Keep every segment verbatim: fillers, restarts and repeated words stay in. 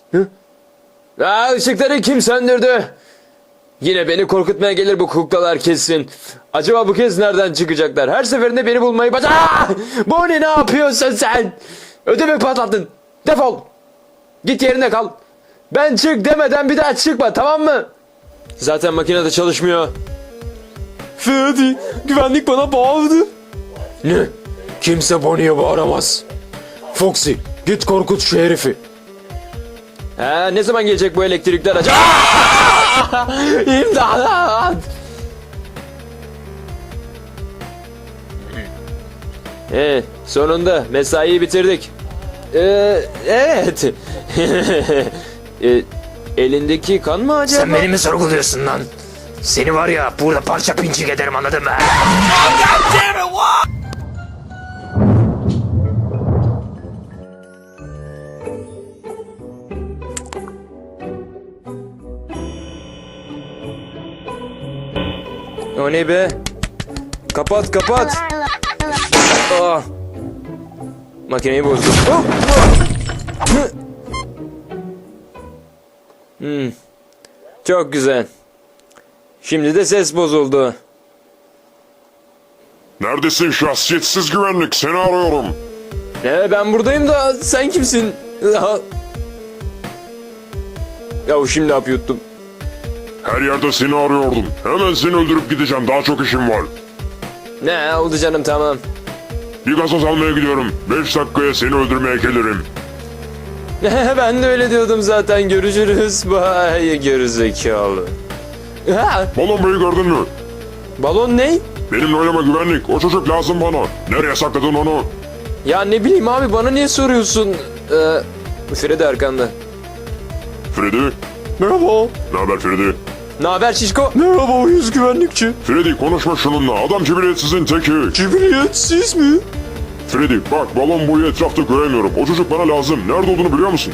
Hı? Aa, ışıkları kim söndürdü? Yine beni korkutmaya gelir bu kuklalar kesin. Acaba bu kez nereden çıkacaklar? Her seferinde beni bulmayı baca... Aa! Bonnie, ne yapıyorsun sen? Ödümü patlattın. Defol. Git yerine kal. Ben çık demeden bir daha çıkma, tamam mı? Zaten makine de çalışmıyor. Freddy, güvenlik bana bağırdı. Ne? Kimse Bonnie'ye bağıramaz. Foxy, git korkut şu herifi. Ha, ne zaman gelecek bu elektrikler acaba? İmdat! Ee, sonunda mesaiyi bitirdik. Ee, evet. ee, elindeki kan mı acaba? Sen beni mi sorguluyorsun lan? Seni var ya burada parça pinçik ederim, anladın mı? O ne be? Kapat kapat. Aa. Makineyi bozdum. Oh! Oh! Hmm. Çok güzel. Şimdi de ses bozuldu. Neredesin şahsiyetsiz güvenlik? Seni arıyorum. Ee, ben buradayım da sen kimsin? Ya, ya şimdi hap yuttum. Her yerde seni arıyordum. Hemen seni öldürüp gideceğim. Daha çok işim var. Ne oldu canım, tamam. Bir gazoz almaya gidiyorum. Beş dakikaya seni öldürmeye gelirim. Ben de öyle diyordum zaten. Görüşürüz. Bye gerizekalı. Ha, Balon Bey'i gördün mü? balon ne? Benimle oynama güvenlik. O çocuk lazım bana. Nereye sakladın onu? Ya ne bileyim abi, bana niye soruyorsun? Ee, Freddy arkanda. Freddy? Merhaba. Ne haber Freddy? Ne haber şişko? Merhaba uyuz güvenlikçi. Freddy konuşma şununla. Adam cibiliyetsizin teki. Cibriyetsiz mi? Freddy bak, balon boyu etrafta göremiyorum. O çocuk bana lazım. Nerede olduğunu biliyor musun?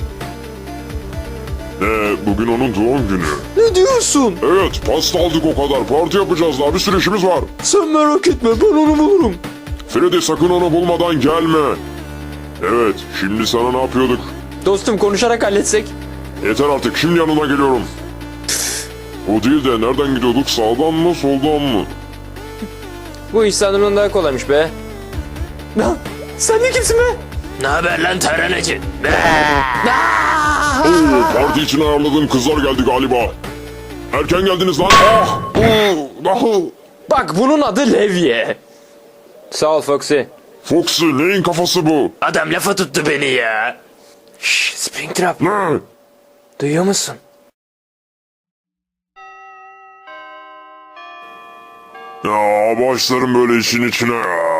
Ne? Bugün onun doğum günü. Ne diyorsun? Evet, pasta aldık o kadar. Parti yapacağız, daha bir sürü işimiz var. Sen merak etme, ben onu bulurum. Freddy sakın onu bulmadan gelme. Evet, şimdi sana ne yapıyorduk? Dostum, konuşarak halletsek. Yeter artık, şimdi yanına geliyorum. O değil de nereden gidiyorduk? Sağdan mı, soldan mı? Bu iş sanırım daha kolaymış be. Lan sen de kimsin be? Ne haber lan taranacı? Oo, parti için ayarladığım kızlar geldi galiba. Erken geldiniz lan. Ah! Oo, ah! Bak, bunun adı Levye. Sağ ol Foxy. Foxy, neyin kafası bu? Adam lafa tuttu beni ya. Şşş, Springtrap, Ne? Duyuyor musun? Ya başlarım böyle işin içine ya.